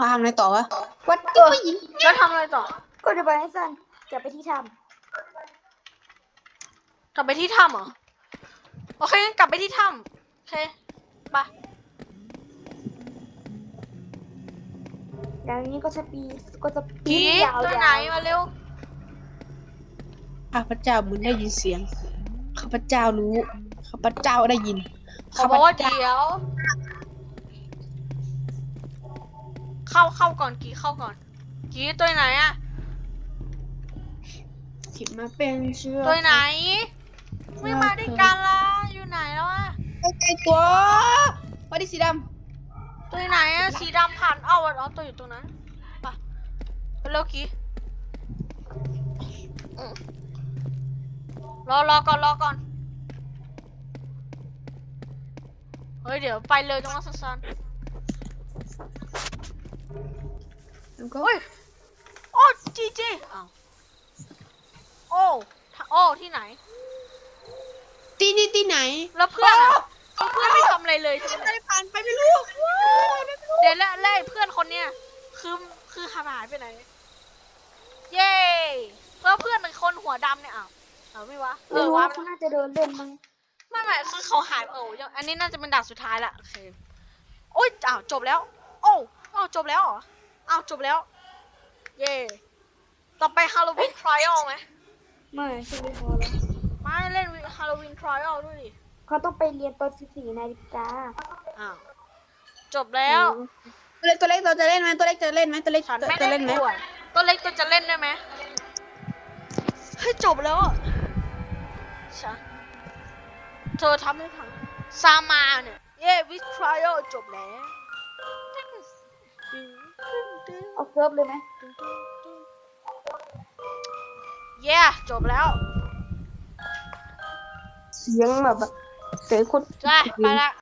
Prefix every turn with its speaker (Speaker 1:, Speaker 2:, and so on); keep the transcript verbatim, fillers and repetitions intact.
Speaker 1: เขาทำอะไรต่อวะวัด
Speaker 2: เออ
Speaker 1: ผู้หญิง
Speaker 2: แล้วทำอะไรต่อ
Speaker 3: ก็จะไปให้สั้นกลับไปที่ถ้
Speaker 2: กลับไปที่ถ้ำเหรอโอเคงั้นกลับไปที่ถ้ำโอเคไป
Speaker 3: ำแล้วนี้ก็จะปีก็จะปี
Speaker 2: ผี
Speaker 3: นยาว
Speaker 2: ตัวไหน
Speaker 3: ๆ
Speaker 2: มาเร็ว
Speaker 1: ข้าพเจ้ามึงได้ยินเสียงข้าพเจ้ารู้ข้าพเจ้าได้ยิน
Speaker 2: เขาบอกว่าเดี๋ยว เข้าเข้าก่อนกี่เข้าก่อนกี่ตัวไหนอะ
Speaker 1: ที่มาเป็นเชื้อ
Speaker 2: ตัวไหน ไม่มาด้วยกันละอยู่ไหนแล้วอะ
Speaker 1: ไอ้ไก่ตัววัดที่สีด
Speaker 2: ตัวไหนอะสีดำผ่านเอ้าอ๋อตัวอยู่ตรงนั้นไปไปเร็วกี่อืมรอรอก่อนรอก่อนเฮ้ยเดี๋ยวไปเลยตรงนั้นสั้น
Speaker 1: ำแล้วก็
Speaker 2: ๆโอ้ยโอ้จีจีอ้าวโอ้ถ้าโอ้ที่ไหน
Speaker 1: ตีนี่ตีไหน
Speaker 2: แล้วเพื่อนอะเพื่อนไม่ทำอะไรเลยใช่ไหม
Speaker 1: ไม่ได้ผ่านไปไม่รู้
Speaker 2: เดี๋ยวแล้วแล้วไอ้เพื่อนคนเนี้ยคือคือหายไปไหน เย้แล้วเพื่อนเป็นคนหัวดำเนี่ยอ้าวเอาไม่วะเอ
Speaker 3: ไม่
Speaker 2: อ
Speaker 3: รู้
Speaker 2: วะ
Speaker 3: ว่าเขาน่าจะเดินเล่นมั้ง
Speaker 2: ไม่ไม่คือเขาหายเออยังอันนี้น่าจะเป็นด่านสุดท้ายละโอเคโอ้ยอ้าวจบแล้ว โอ้อ้าวจบแล้วเหรออ้าวจบแล้ว เย่ต่อไปฮาโลวีนทริอัลไหม
Speaker 3: ไม่ใช่ไม่พอแล้ว
Speaker 2: มาเล่นฮาโลวีนทริอัลด้วยดิ
Speaker 3: เขาต้องไปเรียนตอนสิบสี่นาฬิกา
Speaker 2: อ้าวจบแล้ว
Speaker 1: ตัวเล็กตัวเล็กเราจะเล่นไหมตัวเล็กจะเล่นไหมตัวเล็ก
Speaker 2: ฉันไม่
Speaker 1: จะ
Speaker 2: เล่
Speaker 1: เล่
Speaker 2: น
Speaker 1: นไหม
Speaker 2: ด้วยตัวเล็กตัวจะเล่นได้ไหมเฮ้ยจบแล้วอะฉันเธอทำให้พังซามาเนี่ยเย้วิทริอัลจบแล้ว
Speaker 3: เอาเซิร์ฟเลยไหม
Speaker 2: เย้จบแล้ว
Speaker 1: เสียงแบบเสียงคน
Speaker 2: จ้าไปละ